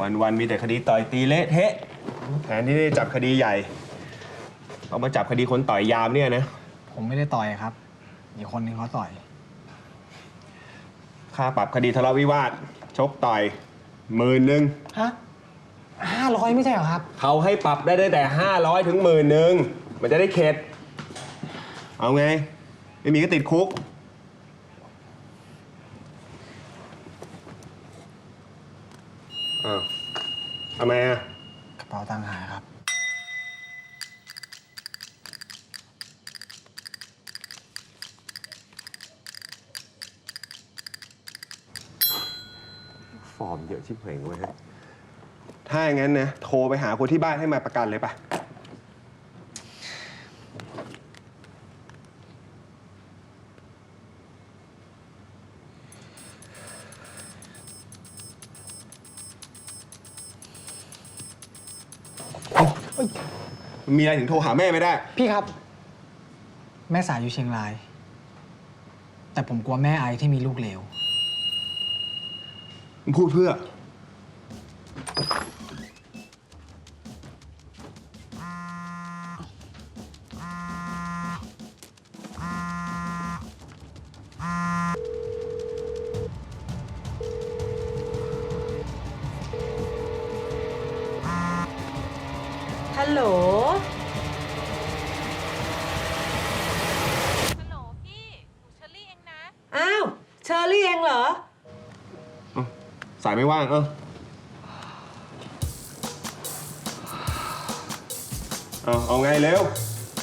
วันมีแต่คดีต่อยตีเละเทะแทนที่จะจับคดีใหญ่เอามาจับคดีคนต่อยยามเนี่ยนะผมไม่ได้ต่อยครับอีกคนนึงเขาต่อยค่าปรับคดีทะเลาะวิวาทชกต่อย10,000 ฮะ500ไม่ใช่เหรอครับเขาให้ปรับได้ตั้งแต่500 ถึง10,000มันจะได้เข็ดเอาไงไม่มีก็ติดคุกอ้าวทำไมอ่ะกระเป๋าตังค์หายครับฟอร์มเยอะชิบเป่งเว้ยถ้าอย่างนั้นนะโทรไปหาคนที่บ้านให้มาประกันเลยป่ะมีอะไรถึงโทรหาแม่ไม่ได้พี่ครับ แม่สายอยู่เชียงราย แต่ผมกลัวแม่ไอที่มีลูกเลวมึงพูดเพื่อฮัลโหลฮัลโหลพี่หนูเชอรี่เองนะอ้าว เชอรี่เองเหรอสายไม่ว่างเอาไงเร็ว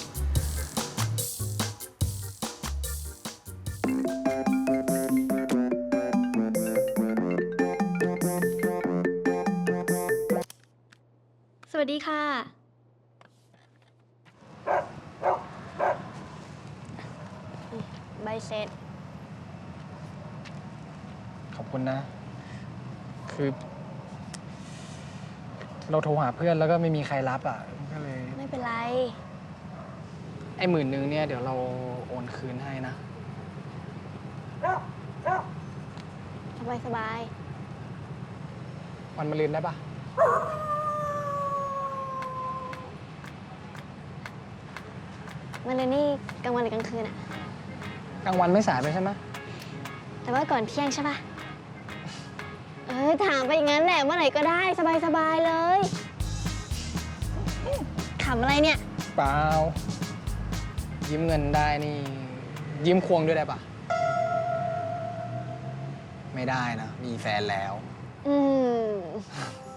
สวัสดีค่ะใบเสร็จขอบคุณนะ คือ เราโทรหาเพื่อนแล้วก็ไม่มีใครรับอ่ะ ก็เลยไม่เป็นไรไอ้10,000เนี่ยเดี๋ยวเราโอนคืนให้นะสบายสบายวันมะรืนได้ปะมันเลยนี่กลางวันหรือกลางคืนอะกลางวันไม่สายไปใช่ไหมแต่ว่าก่อนเที่ยงใช่ปะถามไปอย่างนั้นแหละเมื่อไหร่ก็ได้สบายสบายเลยขำอะไรเนี่ยเปล่า ยืมเงินได้นี่ ยืมควงด้วยได้ปะไม่ได้นะ มีแฟนแล้วอืม